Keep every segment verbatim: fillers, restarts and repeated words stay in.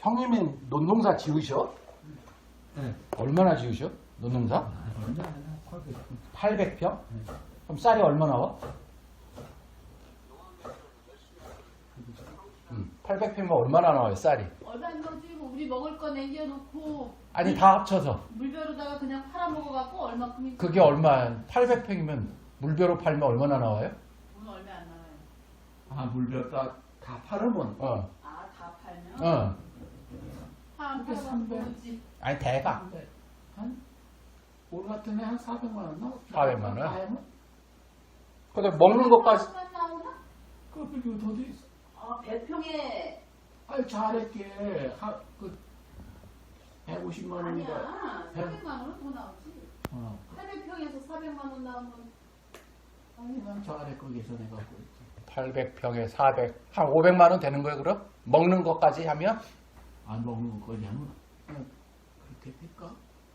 형님이 논농사 지으셔? 네. 얼마나 지으셔? 논농사? 팔백 평? 그럼 쌀이 얼마 나와? 음, 팔백 평이면 얼마나 나와요, 쌀이? 얼마 안 나오지. 뭐 우리 먹을 거 남겨놓고 아니, 다 합쳐서. 물벼루다가 그냥 팔아 먹어갖고 얼마큼이. 그게 얼마, 팔백 평이면 물벼로 팔면 얼마나 나와요? 오늘 얼마 안 나와요. 아, 물벼 다, 다 팔으면. 어, 아, 다 팔면? 어. 한 그게 팔아서 삼백. 모르지. 아니, 대가. 한, 올 같은 해 한 사백만 원 나와? 사백만 원? 하면? 근데 먹는 것까지. 얼마 나오나? 그, 그, 더 있어. 아, 배평에. 아니, 잘했게. 하, 그, 백오십만 원인가. 아니야. 사백만 원은 더 나오지. 어. 팔백 평에서 사백만 원 나오면. 아니, 난 잘했고 계산해갖고 있지. 팔백 평에 사백, 한 오백만 원 되는 거예요, 그럼? 먹는 것까지 하면? 안 먹는 거까지 하면. 어, 그렇게 될까?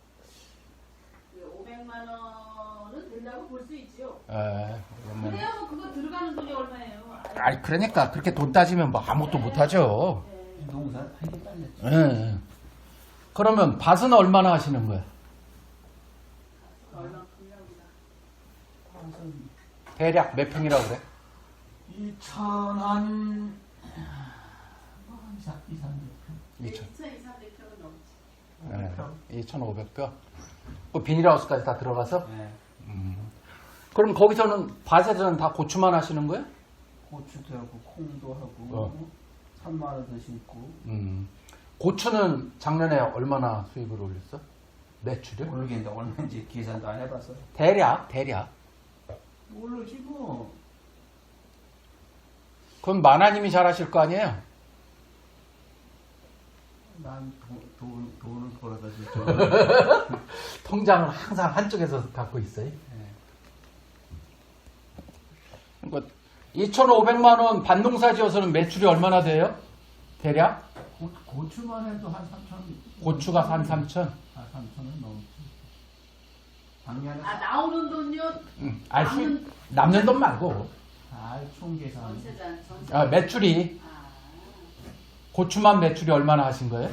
오백만 원은 된다고 볼 수 있지요. 에, 그러면. 그래야 뭐 그거 들어가는 돈이 얼마예요? 아니, 그러니까, 그렇게 돈 따지면 뭐 아무것도 못하죠. 네. 농사 하게 딸렸지. 예. 그러면 밭은 얼마나 하시는 거야? 얼마큼이나 우리가. 대략 몇 평이라고 그래? 이천 한, 한 이삼백 평. 이천. 이천이삼백 평은 넘지. 예. 이천오백 평. 그 비닐하우스까지 다 들어가서? 네. 음. 그럼 거기서는, 밭에서는 다 고추만 하시는 거야? 고추도 하고, 콩도 하고, 어. 산마늘도 심고. 음. 고추는 작년에 얼마나 수입을 올렸어? 매출을? 모르겠는데, 얼마인지 계산도 안 해봤어. 대략, 대략. 모르지, 뭐. 그럼 마나님이 잘하실 거 아니에요? 난 돈, 돈, 돈을 벌어다 줄 통장을 항상 한쪽에서 갖고 있어요. 네. 그러니까 이천오백만 원 밭농사 지어서는 매출이 얼마나 돼요? 대략? 고, 고추만 해도 한 삼천. 고추가 한 삼천? 아, 삼천은 넘지. 작년에. 아, 나오는 돈요? 응. 아니, 남는- 수- 남는 돈 말고. 아, 총계산. 전세장, 전세. 아, 매출이, 아, 고추만 매출이 얼마나 하신 거예요?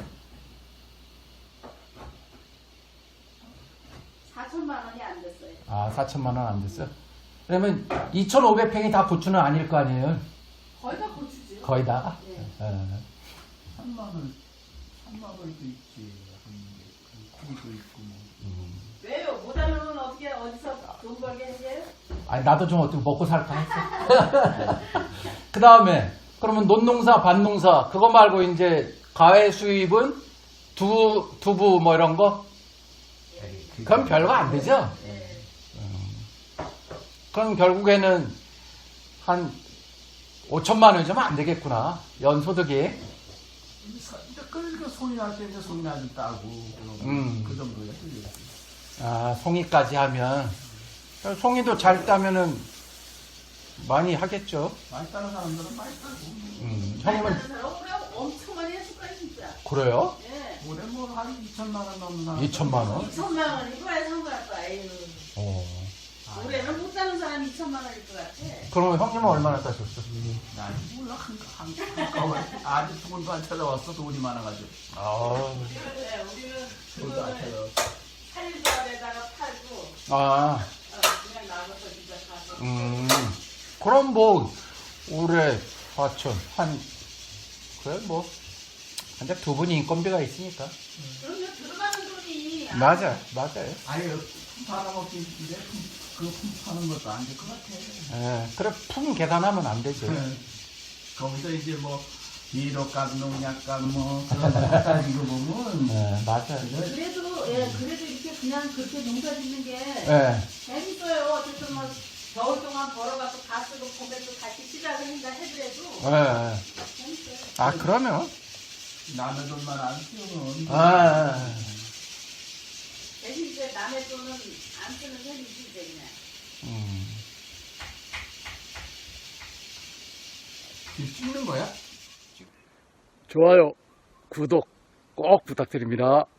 사천만 원이 안 됐어요. 아, 사천만 원 안 됐어요? 그러면 이천오백 평이 다 고추는 아닐 거 아니에요? 거의 다 고추죠. 거의 다? 네. 어. 산마늘, 산마늘도 있지. 한 콩도 있고, 뭐. 음. 왜요? 못하는 건 어떻게, 어디서 돈 벌게 해줘요? 아니, 나도 좀 어떻게 먹고 살까 했어. 그 다음에, 그러면 논농사, 밭농사, 그거 말고 이제 가외 수입은 두, 두부 뭐 이런 거? 그건 별거 안 되죠? 네. 그럼 결국에는 한 오천만 원이면 안 되겠구나. 연소득이. 그러니까 손이 날 때 이제 손이 나좀 따고, 음. 그 정도야. 그게. 아, 송이까지 하면. 송이도 잘 따면은 많이 하겠죠. 많이 따는 사람들은 많이 따고. 음, 많이 형님은, 받는 사람 그냥 엄청 많이 했을 거예요, 진짜. 그래요? 예. 올해 뭐 한 이천만 원 넘는 사람. 이천만 원? 이천만 원이고 왜 상관할 거야, 에휴. 어. 올해는 못 사는 사람이 이천만 원일 것 같아. 그러면 형님은 얼마나 따셨어? 난 몰라, 한, 한, 한꺼번에. 아직 돈도 안 찾아왔어, 돈이 많아가지고. 아, 그래, 우리는 돈도 안 그거는 찾아왔어. 살조합에다가 팔고, 아, 어, 그냥 나가서 진짜 가서. 음. 그럼 뭐, 올해 사천, 한, 그래, 뭐, 한작 두 분이 인건비가 있으니까. 그러면 들어가는 돈이. 아, 맞아요, 맞아요. 아니, 품 팔아먹기 인데 그품 파는 것도 안 될 것 같아. 예, 그래, 품 계산하면 안 되죠. 거기서 이제 뭐, 비료값, 농약값, 뭐, 그런 거 따지고 보면. 예, 맞아요. 그래도, 예, 그래도 이렇게 그냥 그렇게 농사 짓는 게 예, 재밌어요. 어쨌든 뭐, 겨울 동안 벌어갖고 다 쓰고 봄에 또 다시 시작을 한다 해더라도 예, 예. 재밌어요. 아, 그러면, 남의 돈만 안 쓰면. 아, 대신 이제 남의 돈은 안 쓰는 셈이지, 이제 그냥. 음. 지금 찍는 거야? 좋아요, 구독 꼭 부탁드립니다.